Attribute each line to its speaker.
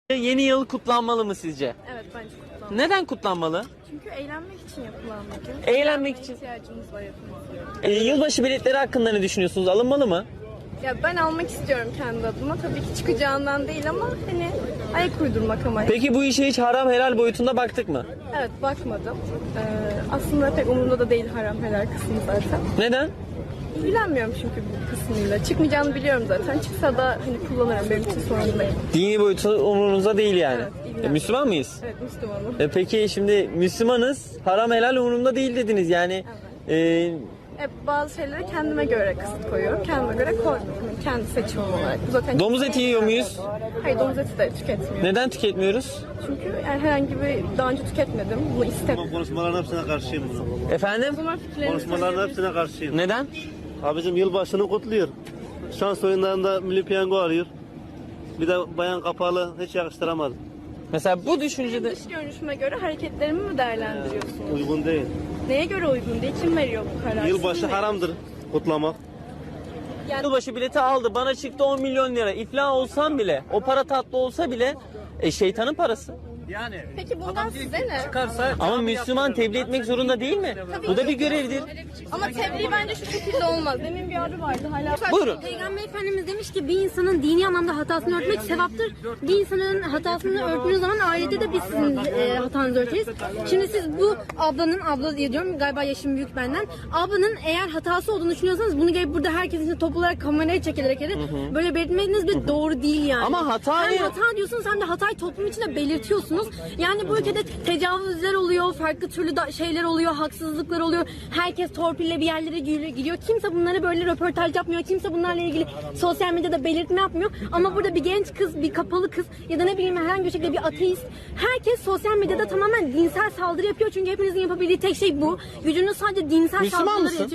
Speaker 1: Yeni yıl kutlanmalı mı sizce?
Speaker 2: Evet, bence kutlanmalı.
Speaker 1: Neden kutlanmalı?
Speaker 2: Çünkü eğlenmek için yapılan bir gün.
Speaker 1: Eğlenmek için.
Speaker 2: İhtiyacımız var hepimizin.
Speaker 1: Yılbaşı biletleri hakkında ne düşünüyorsunuz? Alınmalı mı?
Speaker 2: Ya ben almak istiyorum kendi adıma. Tabii ki çıkacağından değil ama hani ayak uydurmak ama.
Speaker 1: Peki bu işe hiç haram helal boyutunda baktık mı?
Speaker 2: Evet, bakmadım. Aslında pek umurumda da değil haram helal kısmı zaten.
Speaker 1: Neden?
Speaker 2: İlgilenmiyorum çünkü bu kısmıyla. Çıkmayacağını biliyorum zaten. Çıksa da hani kullanırım, benim için sorun değil.
Speaker 1: Dini boyutu umurunuzda değil yani.
Speaker 2: Evet, ilgilenmiyorum.
Speaker 1: Müslüman mıyız?
Speaker 2: Evet, Müslümanım.
Speaker 1: Peki şimdi Müslümanız, haram helal umurumda değil dediniz yani.
Speaker 2: Bazı şeylere kendime göre kısıt koyuyorum. Kendime göre koymuyorum. Yani kendi seçimim olarak. Bu zaten
Speaker 1: Domuz eti yiyor muyuz?
Speaker 2: Hayır, domuz eti de tüketmiyorum.
Speaker 1: Neden tüketmiyoruz?
Speaker 2: Çünkü yani herhangi bir daha önce tüketmedim. Bunu istedim.
Speaker 3: Konuşmaların hepsine karşıyım bunu.
Speaker 1: Efendim?
Speaker 2: O zaman fikirlerinizi
Speaker 3: Konuşmaların
Speaker 2: söyleyebilirsiniz.
Speaker 3: hepsine karşıyım.
Speaker 1: Neden?
Speaker 3: Abicim yılbaşını kutluyor. Şans oyunlarında milli piyango arıyor. Bir de bayan kapalı hiç yakıştıramadım.
Speaker 1: Mesela bu düşüncede
Speaker 2: Dış görünüşüme göre hareketlerimi mi değerlendiriyorsunuz?
Speaker 3: Uygun değil.
Speaker 2: Neye göre uygun değil? Kim veriyor bu kararı?
Speaker 3: Yılbaşı
Speaker 2: Siz mi?
Speaker 3: haramdır kutlamak.
Speaker 2: Yani
Speaker 1: yılbaşı bileti aldı, bana çıktı 10 milyon lira. İflah olsam bile, o para tatlı olsa bile şeytanın parası.
Speaker 2: peki bundan size ne?
Speaker 1: Ama Müslüman tebliğ etmek zorunda değil mi? Bu da bir görevdir.
Speaker 2: Ama tebliğ bence şu şekilde olmaz. Demin bir abi vardı hala.
Speaker 1: Buyurun.
Speaker 4: Peygamber Efendimiz demiş ki bir insanın dini anlamda hatasını örtmek sevaptır. Bir insanın hatasını örttüğünüz zaman ahirette de biz sizin hatanızı örteriz. Şimdi siz bu abla diye diyorum, galiba yaşım büyük benden. Ablanın eğer hatası olduğunu düşünüyorsanız bunu gelip burada herkesin içinde toplu olarak kameraya çekilerek böyle belirtmeniz bile doğru değil yani.
Speaker 1: Ama hatayı-
Speaker 4: Hem hata diyorsunuz hem de hatayı toplum içinde belirtiyorsunuz. Yani bu ülkede tecavüzler oluyor, farklı türlü şeyler oluyor, haksızlıklar oluyor. Herkes torpille bir yerlere giriyor. Kimse bunlara böyle röportaj yapmıyor. Kimse bunlarla ilgili sosyal medyada belirtme yapmıyor. Ama burada bir genç kız, bir kapalı kız ya da ne bileyim herhangi bir şekilde bir ateist. Herkes sosyal medyada tamamen dinsel saldırı yapıyor. Çünkü hepinizin yapabildiği tek şey bu. Gücünüz sadece dinsel
Speaker 1: Müslüman
Speaker 4: saldırıları
Speaker 1: mısın?